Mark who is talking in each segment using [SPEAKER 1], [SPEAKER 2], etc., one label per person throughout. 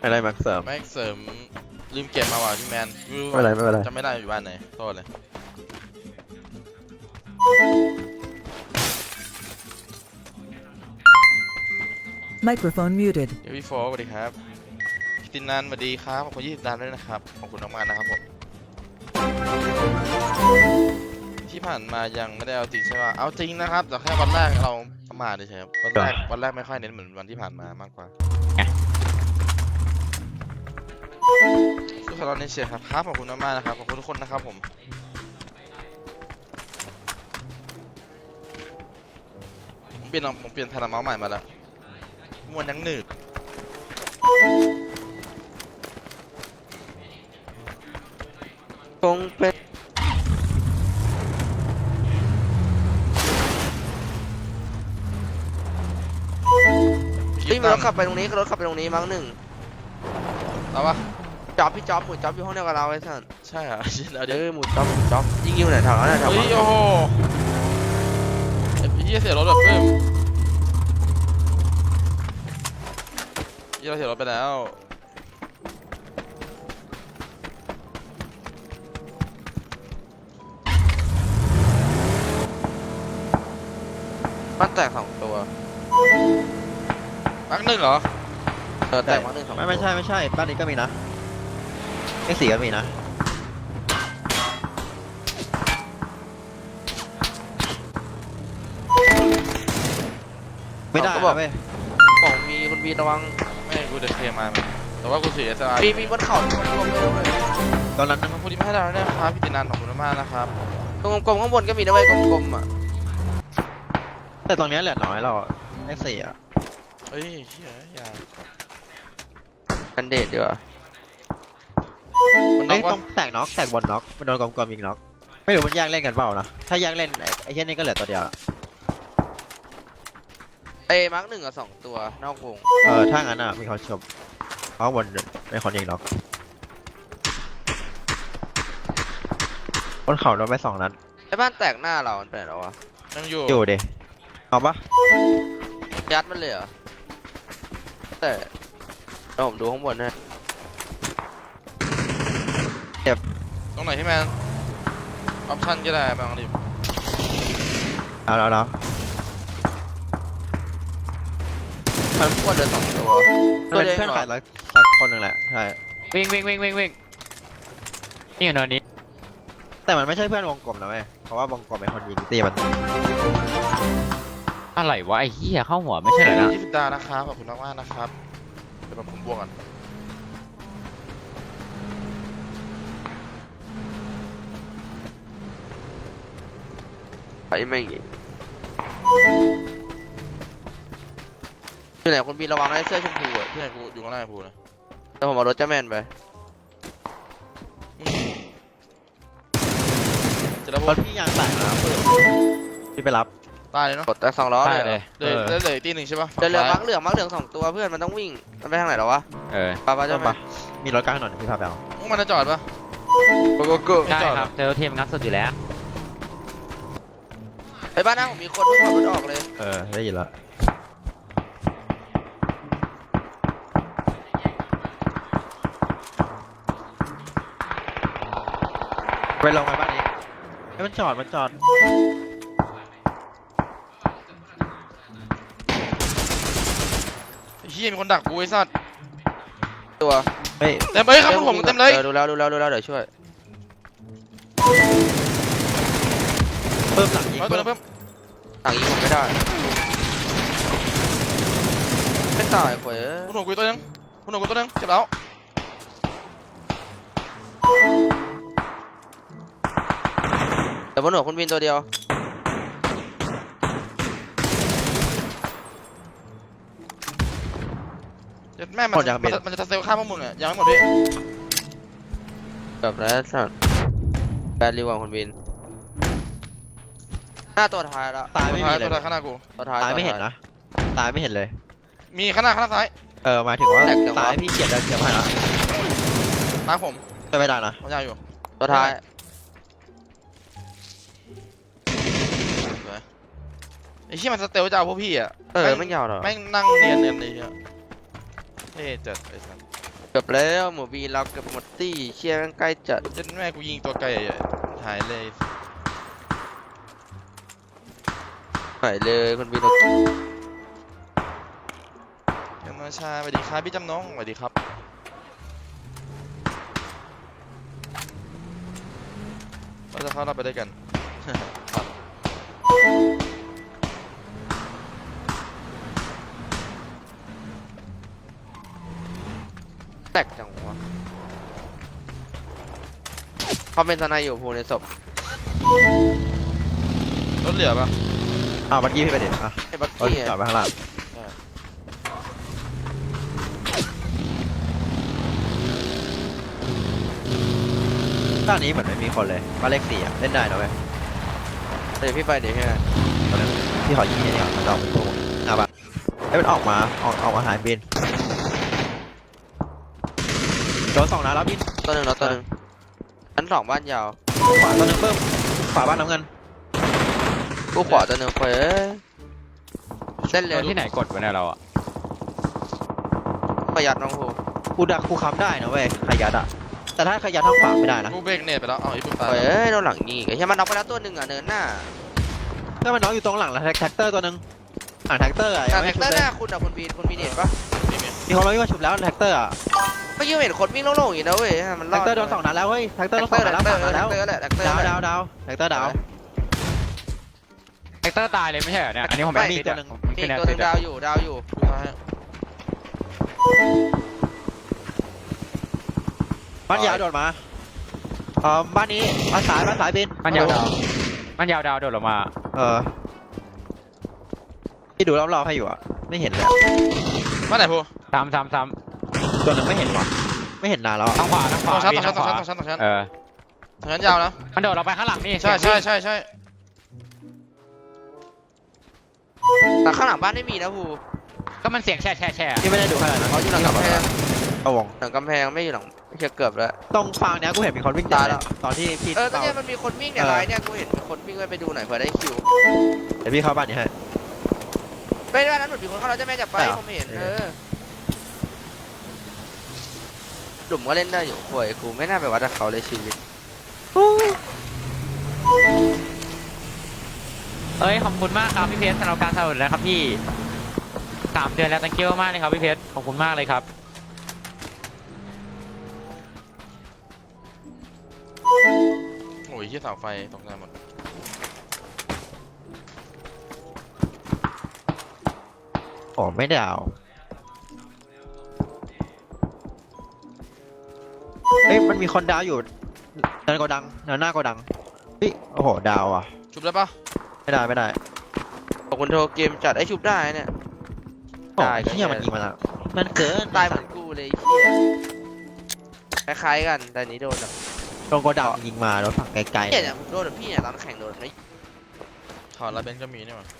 [SPEAKER 1] อะไรแม็กเสริม
[SPEAKER 2] แม็กเสริมลืมเก็บมาว่ะพี่แมน
[SPEAKER 1] ไม่เป็นไรไม่เป็นไร
[SPEAKER 2] จำไม่ได้อยู่บ้านไหนโทษเลย
[SPEAKER 3] Microphone muted.
[SPEAKER 2] เดี๋ยวพี่โฟสวัสดีครับพี่ตินันสวัสดีครับขอบคุณ20 ดาวด้วยนะครับขอบคุณมากๆนะครับผมที่ผ่านมายังไม่ได้เอาจริงใช่ป่ะเอาจริงนะครับแต่แค่วันแรกเราประมาทเฉยๆครับวันแรกไม่ค่อยเน้นเหมือนวันที่ผ่านมามากกว่าทุกคนเราเน้นเชียร์ครับขอบคุณมากๆนะครับขอบคุณทุกคนนะครับผมผมเปลี่ยนแผ่นเมาส์ใหม่มาแล้วมวนยังหนืด
[SPEAKER 1] คงเป็นรถขับไปตรงนี้รถขับไปตรงนี้มั้งหนึ่ง
[SPEAKER 2] เอาปะ
[SPEAKER 1] พี่จ๊อบหมูจ๊อบอยู่ห้องเดียวกับเราไอ้ท่าน
[SPEAKER 2] ใช่เหรอเดี๋ยว
[SPEAKER 1] หมูจ๊อบยิงอยู่ไหนแถวนั้นแถว
[SPEAKER 2] เฮ้ยโอ้โหไอ้พี่เสียรถแบบเพิ่มพี่เราเสียรถไปแล้ว
[SPEAKER 1] บ้านแตก2 ตัว
[SPEAKER 2] มักหนึ่งเหรอ
[SPEAKER 1] แตกบ้าน1 2
[SPEAKER 4] ไม่ใช่บ้านนี้ก็มีนะเลข4ก็มีนะไม่ได้
[SPEAKER 1] ก็บอก
[SPEAKER 4] เว้ย
[SPEAKER 1] ของมีคุณบีระวัง
[SPEAKER 2] ไม่กูจะเคลียร์มาแต่ว่ากูเสียสละ
[SPEAKER 1] มีบนเขาตรงกลมด้วย
[SPEAKER 4] ตอนนั้น
[SPEAKER 2] ขอบคุณที่มาให้เราด้วยนะครับพี่ตินันขอบคุณมากนะครับ
[SPEAKER 1] ตรงกลมข้างบนก็มีนะเว้ยกลมๆอ่ะ
[SPEAKER 4] แต่ตรงนี้เหลือน้อยเราเลข4อ่ะ
[SPEAKER 2] เฮ้ยเชี่ยอย่า
[SPEAKER 1] กันเดดดีกว่า
[SPEAKER 2] มันน็
[SPEAKER 4] เอ้
[SPEAKER 2] อย ก
[SPEAKER 4] ต้
[SPEAKER 2] วะ
[SPEAKER 4] องแตกน็อกแตกบนน็อกมันโดนกลมๆยิงน็อกไม่รู้มันแยกเล่นกันเปล่านะถ้าแยกเล่นไอ้เช่นนี้ก็เหลือตัวเดียว
[SPEAKER 1] มาร์ก1 กับ 2 ตัวนอกวง
[SPEAKER 4] ถ้างั้นอ่ะมีเขาชมเพราะบนเป็นคนยิงน็อกบนเขาโดนไป2 นัด
[SPEAKER 1] ไอ้บ้านแตกหน้าเรามันเป็นอะไรวะ
[SPEAKER 2] ยังอยู่
[SPEAKER 4] อยู่ดิเอาปะ
[SPEAKER 1] ยัดมันเลยเหรอแต่เดี๋ยวผมดูข้างบนให้
[SPEAKER 2] ตรงไหนพี่แมนออปชั่นก็ได้บางที
[SPEAKER 4] เอาแล้ว
[SPEAKER 1] มันพวดเดิน2 ตัว
[SPEAKER 4] มันเป็น
[SPEAKER 1] เดียว
[SPEAKER 4] เพื่อน
[SPEAKER 1] เหร
[SPEAKER 4] ขา
[SPEAKER 1] อย
[SPEAKER 4] สักคนหนึ่งแหละใช่
[SPEAKER 5] วิ่งนี่อยู่ตอนนี้
[SPEAKER 4] แต่มันไม่ใช่เพื่อนวงกลมนะเว้ยเพราะว่าวงกลมเป็นคนยิงตีมัน
[SPEAKER 5] อะไรวะไอ้เหี้ยเข้าหัวไม่ใช่เหรอนะ
[SPEAKER 2] 20 ดาวนะครับขอบคุณมากๆนะครับเดี๋ยวผมบวกกัน
[SPEAKER 1] ไปไม่งี้อยู่ไหนคุณบีระวังไอ้เสื้อชมพูอ่ะ
[SPEAKER 2] พี่ไหนกูอยู่ข้างหน้ากูนะ
[SPEAKER 1] เดี๋ยวผมเอารถเจ้าแมนไป
[SPEAKER 2] จะระ
[SPEAKER 4] ร
[SPEAKER 2] บบ
[SPEAKER 4] ถพี่ยางแตกนะเพื่อนพี่ไปรับ
[SPEAKER 2] ตายเลยเนาะ
[SPEAKER 1] กดแต่2 ล้อ
[SPEAKER 5] ได้
[SPEAKER 1] เลย
[SPEAKER 5] เลย
[SPEAKER 2] เหลืออีกตีหนึ่งใช่ปะ
[SPEAKER 1] จะเหลือมาร์กเหลือง2 ตัวเพื่อนมันต้องวิ่งมันไปทางไหนหรอวะ ป้าเจ้าแมน
[SPEAKER 4] มีรถกลางถนนพี่พาไปเอา
[SPEAKER 2] พวกมันจะจอดปะ
[SPEAKER 1] กู
[SPEAKER 5] ใช่ครับเจอเทมงัดสุดอยู่แล้ว
[SPEAKER 1] ไอ้บ้านหน้าผมมีคนเพิ่งขับรถออกเลย
[SPEAKER 4] ได้ยินแล้วไปลงไปบ้านนี้ให้มันจอด
[SPEAKER 2] เฮียมีคนดักกูไอ้สัตว์
[SPEAKER 1] ตัว
[SPEAKER 4] เฮ้ย
[SPEAKER 2] เต็มเลยครับผมเต็มเลย
[SPEAKER 1] ดูแล้วเดี๋ยวช่วย
[SPEAKER 4] เพิ่มหลังยิง
[SPEAKER 2] เอาตัวนึงเพิ่ม
[SPEAKER 1] หลังยิงผมไม่ได้ไม่ตายเว้ย
[SPEAKER 2] คุณหนูกูตัวนึงคุณหนูกูตัวนึงเจ็บแล้ว
[SPEAKER 1] แต่บนหัวคุณบินตัวเดียว
[SPEAKER 2] แม่มันจะเซลข้ามพวกมึงอ่ะยังไม่หมดพี่
[SPEAKER 1] แบบแล้วสัตว์แบดรีวองคุณบินหน้าตัวท้ายแล้ว
[SPEAKER 4] ตายไม่มีเลย
[SPEAKER 2] ตัวท้ายข้างหน้ากู
[SPEAKER 1] ตัวท้าย
[SPEAKER 4] ตายไม่เห็นนะตายไม่เห็นเลย
[SPEAKER 2] มีข้างหน้าซ้าย
[SPEAKER 4] หมายถึงว่าตายพี่เกียดได้เกียดมาแล้ว
[SPEAKER 2] มาผม
[SPEAKER 4] ไม่ได้นะ
[SPEAKER 2] ผมยาวอยู่
[SPEAKER 1] ตัวท้าย
[SPEAKER 2] ไอ้เชี่ยมันสเตลจะเอาพวกพี่อ่ะ
[SPEAKER 1] ไม่ยาวหรอ
[SPEAKER 2] แม่งนั่งเนียนเลยเฮียเท่จัดไอ้สัส
[SPEAKER 1] เกือบแล้วหมูบีเราเกือบหมดตี้เชี่ยแม่งใกล้จัด
[SPEAKER 2] เจ็ดแม่กูยิงตัวไกลหายเลย
[SPEAKER 1] หายเลยคนบีเรา
[SPEAKER 2] ยังมาชาสวัสดีครับพี่จำน้องสวัสดีครับเราจะเข้าเราไปด้วยกัน ครับ
[SPEAKER 1] แตกจังวะเขาเป็นทนายอยู่ภูในศพ
[SPEAKER 2] รถเหลือปะ
[SPEAKER 4] บักกี้พี่ไปเด็ดอ่ะ
[SPEAKER 1] ไอ้บัก
[SPEAKER 4] รถ
[SPEAKER 1] กี้
[SPEAKER 4] จอดไปข้างล่างด้านนี้เหมือนไม่มีคนเลยบ้านเลข4เล่นได้นะเว้ย
[SPEAKER 1] เดี๋ยวพี่ไปเดี๋ยวพี่
[SPEAKER 4] ตอนนั้นพี่ขอยิงไอ้นี่ก่อนมันจะออกเป็นตัวหน้าบ้านไอ้ยมันออกมาหายบินโดน2 นัดแล้วบิน
[SPEAKER 1] ตัวหนึ่งแล้วตัวหนึ่งชั้น2บ้านยาว
[SPEAKER 4] ขวาตัวหนึงเพิ่มขวาบ้านน้ำเงิน
[SPEAKER 1] กูขวาตัวหนึ่งเฟ้ยเส้นเลย
[SPEAKER 5] ที่ไหนกดไว้เนี่ยเราอะ
[SPEAKER 1] ประหยัดน้องภู
[SPEAKER 4] กูค้ำได้นะเว้ยขยัดอะแต่ถ้าขยัดทางขวาไม่ได้นะ
[SPEAKER 2] กูเบรกเนตไปแล้วอีกปุ๊บตาย
[SPEAKER 1] เฟ้ยโดนหลังยิงไอ้เหี้ยมันน็อกไปแล้วตัวหนึ่งอ่ะเนินหน้า
[SPEAKER 4] ถ้ามันน้องอยู่ตรงหลังแล้วแท็กเตอร์ตัวหนึงหลังแท็กเตอร์อะ
[SPEAKER 1] แต่
[SPEAKER 4] ยัง
[SPEAKER 1] แท็
[SPEAKER 4] ไม่
[SPEAKER 1] ก
[SPEAKER 4] ชุ
[SPEAKER 1] เตอบ ร์ห
[SPEAKER 4] เลย
[SPEAKER 1] น้าคุณอ่ะคุณบีนเห็นปะ
[SPEAKER 4] มีคนร้อยก็ชุบแล้วแท็กเตอร์อะ
[SPEAKER 1] ไม่ยืมเห็นคนวิ่งโล่งๆอย่างนี้นะเว้ยมันร
[SPEAKER 4] แท็
[SPEAKER 1] อก ด
[SPEAKER 4] เตอร์โดน2 นัดแล้วเฮ้ยแท็กเตอร์โดน2 นัดแล้ว3 นัดแล้ว
[SPEAKER 1] แท็กเตอร์แหละแท็กเตอร์
[SPEAKER 4] ดาว
[SPEAKER 1] แหละ
[SPEAKER 4] ดาวแท็กเตอร์ดาว
[SPEAKER 5] แฮกเตอร์ตายเลยไม่ใช่เหรอเนี่ยอันนี้ผม
[SPEAKER 1] ไม่
[SPEAKER 5] ไม่ติดอะ
[SPEAKER 1] มีอีกตัวหนึงดาวอยู่
[SPEAKER 2] ดูท้าย
[SPEAKER 4] บ้านยาวโดดมาบ้านนี้บ้านสายบิน
[SPEAKER 5] มันยาวดาวมันยาวดาวโดดลงมา
[SPEAKER 4] ที่ดูรอบๆให้อยู่อะไม่เห็นเลย
[SPEAKER 2] มาไหนพู
[SPEAKER 5] ซ้ำ
[SPEAKER 4] ตัวหนึงไม่เห็นว่ะไม่เห็นนานแล้วอะ
[SPEAKER 5] ทางขวา
[SPEAKER 2] ต้องชั้น
[SPEAKER 5] พี่
[SPEAKER 2] ต้อง
[SPEAKER 5] ทางขวา
[SPEAKER 2] ชั้นต้องชั้น
[SPEAKER 5] เออ
[SPEAKER 2] ชั้นยาวนะ
[SPEAKER 5] มันโดดเราไปข้างหลังนี่
[SPEAKER 2] ใช่
[SPEAKER 1] แต่ข้างหลังบ้านไม่มีนะภู
[SPEAKER 5] ก็มันเสียงแช่
[SPEAKER 4] ที่ไม่ได้ดูขนาดนั้น
[SPEAKER 1] เขาอยู่หลังกำแพง
[SPEAKER 4] เอาวง
[SPEAKER 1] หลังกำแพงไม่อยู่หลังไม่ใช่เกือบแล้ว
[SPEAKER 4] ตรงฟางเนี้ยกูเห็นมีคนวิ่ง
[SPEAKER 1] ตายแล้ว
[SPEAKER 4] ตอนที่พี่
[SPEAKER 1] ก็
[SPEAKER 4] เปา
[SPEAKER 1] เนี่ยมันมีคนวิ่งเนี่ยไลน์เนี่ยกูเห็นมีคนวิ่งไปดูหน่อยเผื่อได้คิว
[SPEAKER 4] เดี๋ยวพี่เข้าบ้านนี้ให้
[SPEAKER 1] ไม่ได้นั้นหนุนมีคนเข้าเราจะแม่จับไป
[SPEAKER 4] ใช่เหรอ
[SPEAKER 1] ผมเห็นหลุมก็เล่นได้อยู่ป่วยกูไม่น่าไปวัดกับเขาเลยชีวิต
[SPEAKER 5] เอ้ยขอบคุณมากครับพี่เพชรสำหรับการสนับสนุนนะครับพี่3 เดือนแล้ว thank you มากเลยครับพี่เพชรขอบคุณมากเลยครับ
[SPEAKER 2] โอ้ยที่เสาไฟตกใจหมด
[SPEAKER 4] โอ้ไม่ได้เอาเอ้ยมันมีคนดาวอยู่เนินโกดังเนินหน้าโกดังเฮ้ยโอ้โหดาวอ่ะ
[SPEAKER 2] ชุบได้ปะ
[SPEAKER 4] ไม่ได้
[SPEAKER 1] ขอบคุณโทรเกมจัดไอ้ชุบได้เนี่ย
[SPEAKER 4] โอ้
[SPEAKER 1] ได้ก็
[SPEAKER 4] เฮียมันยิงมาแล้วมันเกิน
[SPEAKER 1] ตายเหมือนกูเลยไอ้เหี้ยคล้ายๆกันแต่อันนี้โดนแบบ
[SPEAKER 4] ตรงโกดังยิงมาโดนฝั่งไกล
[SPEAKER 1] เนี่ยเนี่ยผมโดนแบบพี่เนี่ยตอนแข่งโดนไม่
[SPEAKER 2] ถอนแล้วเบนก็มีนี่หว่า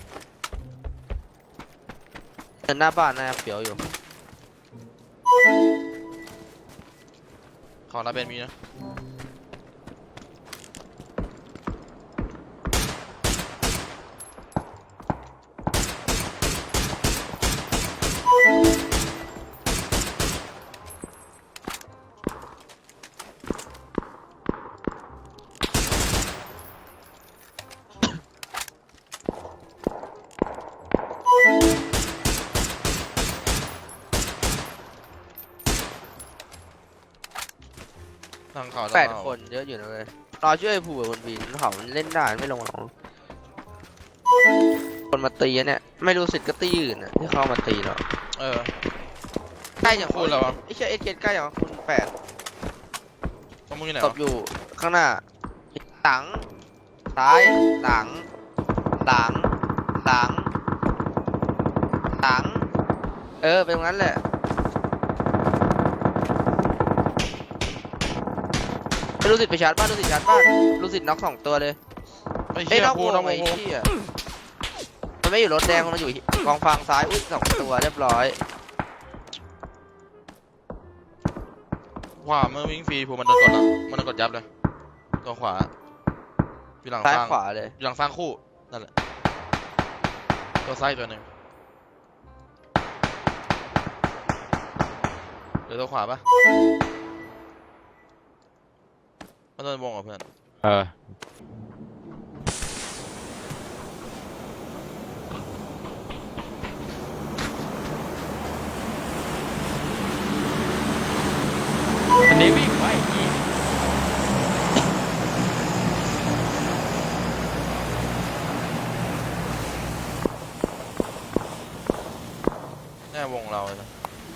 [SPEAKER 1] เดินหน้าบ้านน่าจะเปียวอยู่
[SPEAKER 2] ถอนแล้วเบนมีนะ ทางเขา
[SPEAKER 1] 8 คนเยอะอยู่นะเลยรอช่วยผู้กับคนบีนเขามันเล่นได้ไม่ลงหรอกคนมาตีอะเนี่ยไม่รู้สิทธิ์ก็ตีอื่นอะที่เข้ามาตีเรา
[SPEAKER 2] เออ
[SPEAKER 1] ใกล้อย่าง
[SPEAKER 2] พูดแล้ววะ
[SPEAKER 1] ไอ้เชี่ยเอสเใกล้อย่างคุณ8
[SPEAKER 2] ต้องมึงอยู่ไหน
[SPEAKER 1] ต
[SPEAKER 2] วะ
[SPEAKER 1] บอยู่ข้างหน้าหลังซ้ายหลังเป็นตรงนั้นแหละไม่รู้สิทธิ์ไปชาร์จบ้านรู้สิทธิ์น็อก2 ตัวเลย
[SPEAKER 2] ไอ้
[SPEAKER 1] เอ้
[SPEAKER 2] เหี้
[SPEAKER 1] ย
[SPEAKER 2] ย
[SPEAKER 1] น็อก
[SPEAKER 2] พู
[SPEAKER 1] ว
[SPEAKER 2] ด
[SPEAKER 1] ง
[SPEAKER 2] น้อง
[SPEAKER 1] ไอ้
[SPEAKER 2] โม
[SPEAKER 1] เหี้ยมันไม่อยู่รถแดงมันอยู่กองฟางซ้ายอุ้ย2 ตัวเรียบร้อย
[SPEAKER 2] ขวาเมื่อวิ่งฟรีพูมันโดนกดแล้วมันโดนกดยับเลยตัวขวาอยู่หลัง
[SPEAKER 1] ซ้าย
[SPEAKER 2] ฟาง
[SPEAKER 1] ขวาเลย
[SPEAKER 2] อยู่หลังฟางคู่นั่นแหละตัวซ้ายตัวหนึ่งหรือตัวขวาปะมันโดนวงเหรอเพื่อน
[SPEAKER 5] เอออันนี้วิ่งไว้อีก
[SPEAKER 2] แน่วงเราเลยนะ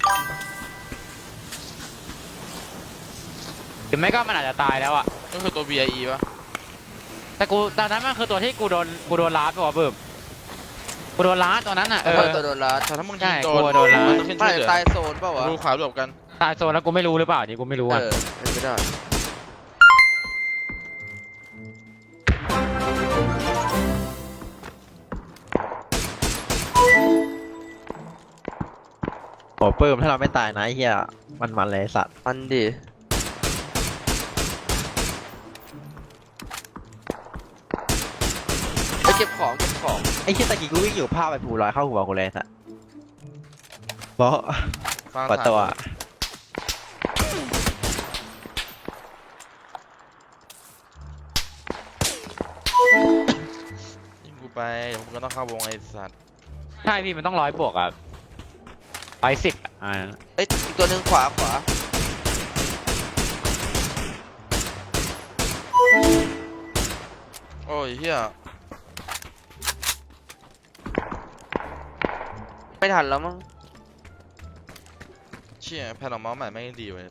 [SPEAKER 5] หรือไม่ก็มันอาจจะตายแล้วอ่ะ
[SPEAKER 2] ก็คือตัว VIE ปะ
[SPEAKER 5] แต่กูตอนนั้นมันคือตัวที่กูโดนล้าไปว่ะเบิ่มกูโดนล้าตัวนั้นอ่ะเออ
[SPEAKER 1] ตัวโดนรัด
[SPEAKER 2] แต่ถ้ามึง
[SPEAKER 5] ใช่
[SPEAKER 2] ยิง
[SPEAKER 5] กลัวโดนล้า
[SPEAKER 2] มันต้องขึ้น
[SPEAKER 1] ไม่
[SPEAKER 2] ชื่อเหลือ
[SPEAKER 1] ตายโซนเปล่าวะ
[SPEAKER 2] ดูขวาหลบกัน
[SPEAKER 5] ตายโซนแล้วกูไม่รู้หรือเปล่านี่กูไม่รู้อ่ะ
[SPEAKER 1] เป็นไม่ได้
[SPEAKER 4] โอ้ปื้มถ้าเราไม่ตายนะไอ้เหี้ยมันเลยไอ้สัตว์
[SPEAKER 1] มันดิไปเก็บของ
[SPEAKER 4] ไอ้เหี้ยตะกี้กูวิ่งอยู่ภาพไปผูลอยเข้าหัวกูเลยไอ้สัตว์เพราะ
[SPEAKER 2] ฟัง
[SPEAKER 4] กว่าตัว
[SPEAKER 2] ยิงกูไปเดี๋ยวผมก็ต้องเข้าวงไอ้สัตว์
[SPEAKER 5] ใช่พี่มันต้อง100 บวกอ่ะ110อ่ะ
[SPEAKER 1] เอ้ยอีกตัวหนึ่งขวา
[SPEAKER 2] โอ้ยเฮีย
[SPEAKER 1] ไม่ทันแล้วมั้ง
[SPEAKER 2] เชี่ยแผ่นออกเมาส์ใหม่ไม่งดีเว้ย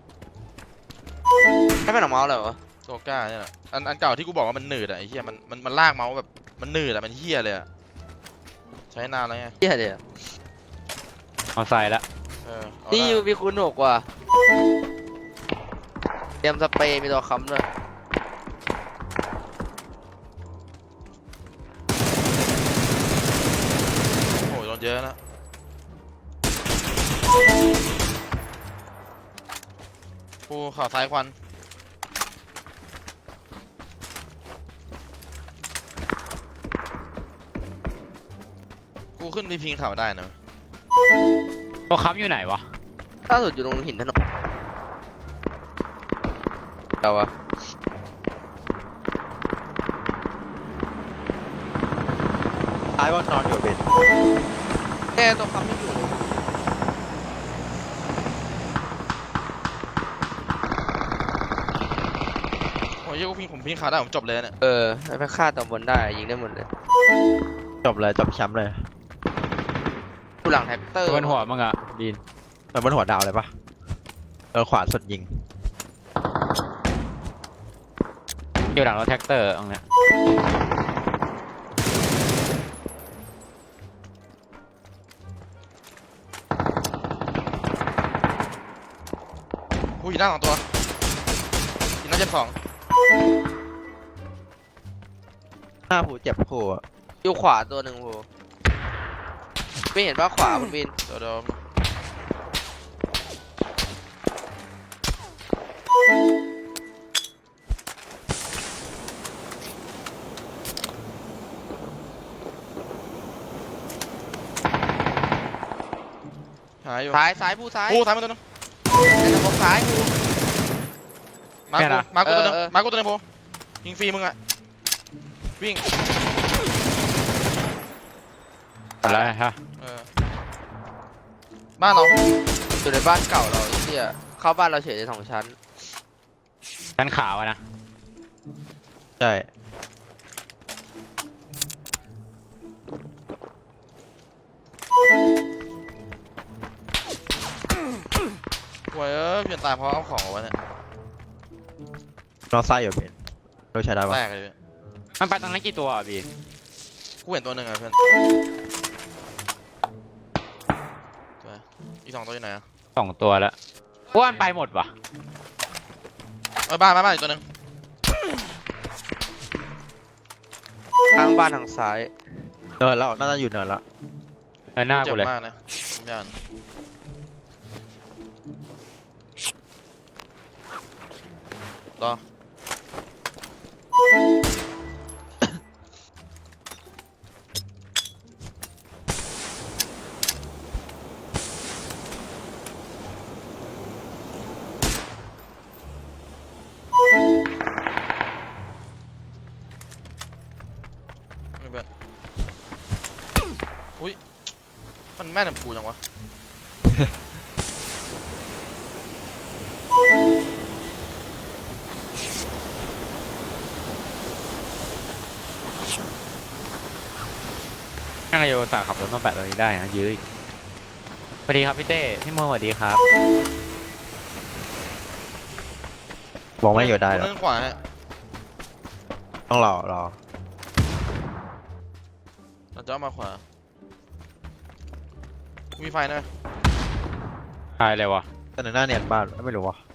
[SPEAKER 1] ให้เป็นออกมาเลยวะ
[SPEAKER 2] ตัวกล้าเนี่ยแหละอันเก่าที่กูบอกว่ามันหนืดอะไอ้เฮียมันลากเมาส์แบบมันหนืดอะมันเฮียเลยอะใช้นานแล้วไง
[SPEAKER 1] เหี้ยเดี๋ยว
[SPEAKER 5] เอาใส่ละ
[SPEAKER 2] เอา
[SPEAKER 1] นี่
[SPEAKER 2] ได้
[SPEAKER 1] ยูมีคูณ6ว่ะเตรียมสเปรย์มีตัวค้ำเลย
[SPEAKER 2] โอ้ยโดนเยอะนะกูข่าวซ้ายควันกูขึ้นพีพิงข่าวได้นะ
[SPEAKER 5] ตัวค้ำอยู่ไหนวะ
[SPEAKER 1] ล่าสุดอยู่ตรงหินถนนเอาวะ
[SPEAKER 4] ตายว่านอนอยู่เป็น
[SPEAKER 1] แค่ตัวค้ำไม่อยู่เลย
[SPEAKER 2] โอ้ยเหี้ยกูผมพิงข่าวได้ผมจบเลยเนี่ย
[SPEAKER 1] แล้วไปฆ่าตัวบนได้ยิงได้หมดเลย
[SPEAKER 4] จบเลยจบแชมป์เลย
[SPEAKER 1] กูหลังแท็กเตอร์
[SPEAKER 5] บนหัวมึงอ่ะดีน
[SPEAKER 4] มันบนหัวดาวเลยปะโดนขวาสุดยิง
[SPEAKER 5] อยู่หลังรถแท็กเตอร์ตรงเนี้ย
[SPEAKER 2] กูอยู่หน้า2 ตัวยิงหน้า72
[SPEAKER 4] หน้าผูเจ็บผูอะ
[SPEAKER 1] อยู่ขวาตัวหนึ่งโหไม่เห็นว่าขวาคุณบิน
[SPEAKER 2] เดี๋ยวหายอยู่
[SPEAKER 1] ซ้ายผู้ซ้าย
[SPEAKER 2] กูซ้ายมาตัวนึง
[SPEAKER 1] ในระบบซ้ายกู
[SPEAKER 2] มากูตัวนึง
[SPEAKER 1] เออ
[SPEAKER 2] มากูตัวนึงโพยิงฟรีมึงอะวิ่ง
[SPEAKER 5] อะไรฮะ
[SPEAKER 2] บ้านเรา
[SPEAKER 1] อยู่ในบ้านเก่าเราไอ้เหี้ยเข้าบ้านเราเฉยเลย2 ชั้น
[SPEAKER 5] ชั้นขาวอะนะ
[SPEAKER 4] ใช่
[SPEAKER 2] โว้ยเปลี่ยนตายเพราะเอาของเอาไว้เนี่ย
[SPEAKER 4] นอนไส้อยู่เป็นเราใช้ได้ปะ
[SPEAKER 2] แรกเลย
[SPEAKER 5] มันไปตรงนั้นกี่ตัวอ่ะบีน
[SPEAKER 2] กูเห็นตัวหนึ่งอะเพื่อนตัวอีก2 ตัวอยู่ไหนอะ
[SPEAKER 5] 2 ตัวแล้วอ้วนไปหมดวะ
[SPEAKER 2] บ้านอีกตัวหนึ่ง
[SPEAKER 1] ทางบ้านทางซ้าย
[SPEAKER 4] เนินแล้วน่าจะอยู่เนินแล้ว
[SPEAKER 5] หน้า
[SPEAKER 2] เจ็
[SPEAKER 5] กู
[SPEAKER 2] บ
[SPEAKER 5] เลย
[SPEAKER 2] มากนะผมยันรอมันแม่นกับกูจังวะ
[SPEAKER 5] นั่งโยตาขับรถมาแปะตรงนี้ได้นะยื้ออีกสวัสดีครับพี่เต้พี่โมสวัสดีครับ
[SPEAKER 4] บอกไม่อยู่ได้หร
[SPEAKER 2] กู
[SPEAKER 4] อก
[SPEAKER 2] เล่นขวาฮะ
[SPEAKER 4] ต้องรอ
[SPEAKER 2] เราจะเอามาขวามีไฟนะ
[SPEAKER 5] ตายเลยวะ
[SPEAKER 4] แต่หนึ่งหน้าเนียนบ้านไม่รู้วะ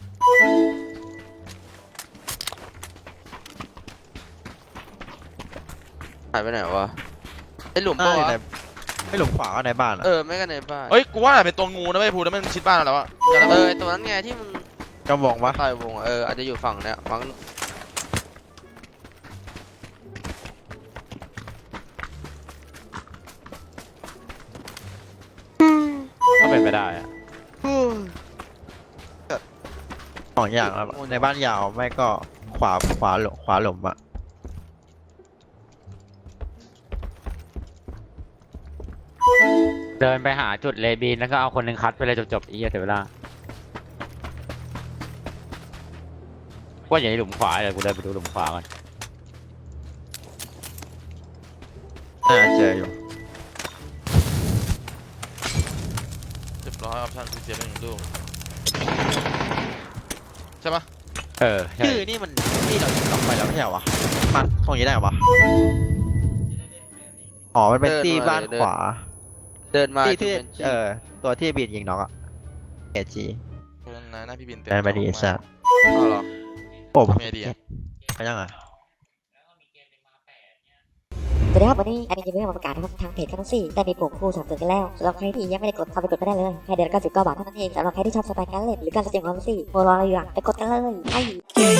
[SPEAKER 1] หายไปไหนวะไอหลุม
[SPEAKER 4] หน้า
[SPEAKER 1] ปะ
[SPEAKER 4] อยู่
[SPEAKER 1] วะ
[SPEAKER 4] ในไม่หลุมขวาก็ในบ้านอะ
[SPEAKER 1] ไม่กันในบ้าน
[SPEAKER 2] เฮ้ยกูว่าเป็นตัวงูนะไม่พูดแล้วมันชิดบ้านเราแล้วอะเดี๋ยวนะ
[SPEAKER 1] ไอตัวนั้นไงที่มึง
[SPEAKER 4] กำวงปะ
[SPEAKER 1] ต่อยวงอะอาจจะอยู่ฝั่งเนี้ยมั้ง
[SPEAKER 5] ก็เป็นไปได้อะ
[SPEAKER 4] สองอย่างแล้วในบ้านยาวไม่ก็ขวาหลุมอะ
[SPEAKER 5] เดินไปหาจุดเลบีนแล้วก็เอาคนหนึ่งคัดไปเลยจบๆอีกเสียเวลาว่าอย่างนี้หลุมขวาเดี๋ยวกูเดินไปดูหลุมขวาก่อน
[SPEAKER 4] น่าจะเจออยู่
[SPEAKER 2] เรียบร้อยออปชั่นคือเสียไป1 ลูกใช่ปะ
[SPEAKER 5] ใช่
[SPEAKER 4] ชื่อนี่มันที่เรายิงออกไปแล้วไม่ใช่เหรอวะมันตรงนี้ได้เหรอวะอ๋อมันเป็นที่บ้านขวา
[SPEAKER 1] เดินมา
[SPEAKER 4] ที่
[SPEAKER 1] เป็น
[SPEAKER 4] ตัวที่บินยิงน็อกอะเอจี
[SPEAKER 2] เพราะฉะนั้นหน้าพี่บินเต็ม
[SPEAKER 4] แมนบาดีสัตว์
[SPEAKER 1] เอาเหรอ
[SPEAKER 4] โอ้
[SPEAKER 2] มีไอเดีย
[SPEAKER 4] ไปยังไง
[SPEAKER 6] สวัสดีครับวันนี้แอดมินจะมีมาประกาศนะครับทางเพจแคทซี่ได้มีปุ่มคู่สนับสนุนกันแล้วสำหรับใครที่ยังไม่ได้กดเข้าไปกดก็ได้เลยแค่เดือนละ99 บาทเท่านั้นเองสำหรับใครที่ชอบสไตล์การเล่นหรือการแสดงความรู้สึกโมรออะไรอยู่อ่ะไปกดกันเลยไอ้